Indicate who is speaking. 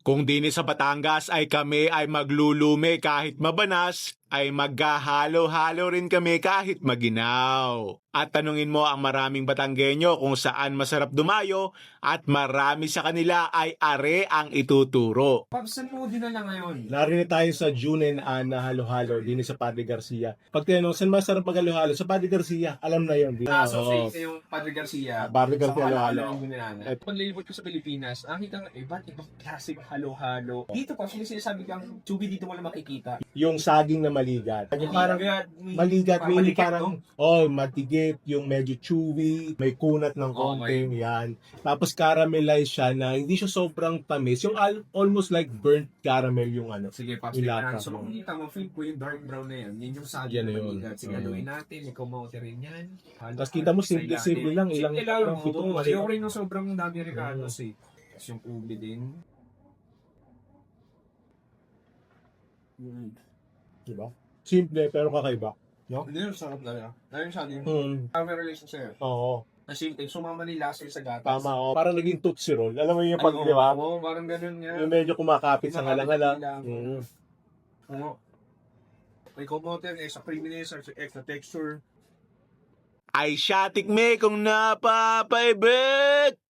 Speaker 1: Kung dini sa Batangas ay kami ay maglulume kahit mabanas, ay maghahalo-halo rin kami kahit maginaw. At tanungin mo ang maraming Batanggenyo kung saan masarap dumayo at marami sa kanila ay are ang ituturo.
Speaker 2: Paps, saan mo dinala ngayon?
Speaker 3: Narinig tayo sa June and Anna halo-halo din sa Padre Garcia. Pag tinanong, saan masarap maghalo-halo? Sa Padre Garcia, alam na yun.
Speaker 2: So,
Speaker 3: Oo.
Speaker 2: fake yung Padre Garcia.
Speaker 3: Padre Garcia
Speaker 2: Sa
Speaker 3: halo-halo.
Speaker 2: yung ginana. Pag nilibot ko sa Pilipinas, nakita nga iba't ibang klaseng halo-halo. Dito pa, sinasabi kang tubi dito mo lang makikita.
Speaker 3: Yung saging na maligat. Yung parang maligat, may parang, matigit, yung medyo chewy, may kunat ng konting, yan. Tapos caramelize siya na hindi siya sobrang tamis. Yung almost like burnt caramel yung ano.
Speaker 2: Sige, Paps,
Speaker 3: Yung
Speaker 2: tingnan.
Speaker 3: lata.
Speaker 2: So, kung kita mo, feel ko yung dark brown na yan. Yun yung saging
Speaker 3: Yan
Speaker 2: na
Speaker 3: na yun.
Speaker 2: maligat. Sige, haluin natin. Ikaw maute rin yan.
Speaker 3: Tapos kita mo, simple lang.
Speaker 2: Simple lang.
Speaker 3: Ilang pitong
Speaker 2: Oo, ayoko rin ng sobrang dami recados eh. Tapos yung ubi din.
Speaker 3: Diba? Simple pero kakaiba.
Speaker 2: Hindi yung sarap talaga. Ayun siya din. May relation sa'yo.
Speaker 3: Oo.
Speaker 2: Na simple, sumama nila sa gatas.
Speaker 3: Tama, oh. Parang naging Tootsie Roll. Alam mo yung pag, di ba?
Speaker 2: Oo, parang ganun nga.
Speaker 3: Yung medyo kumakapit sa ngalang-ngala.
Speaker 2: Oo. May kumote, extra creaminess, extra texture.
Speaker 1: Ay siya tikme kung napapaibig!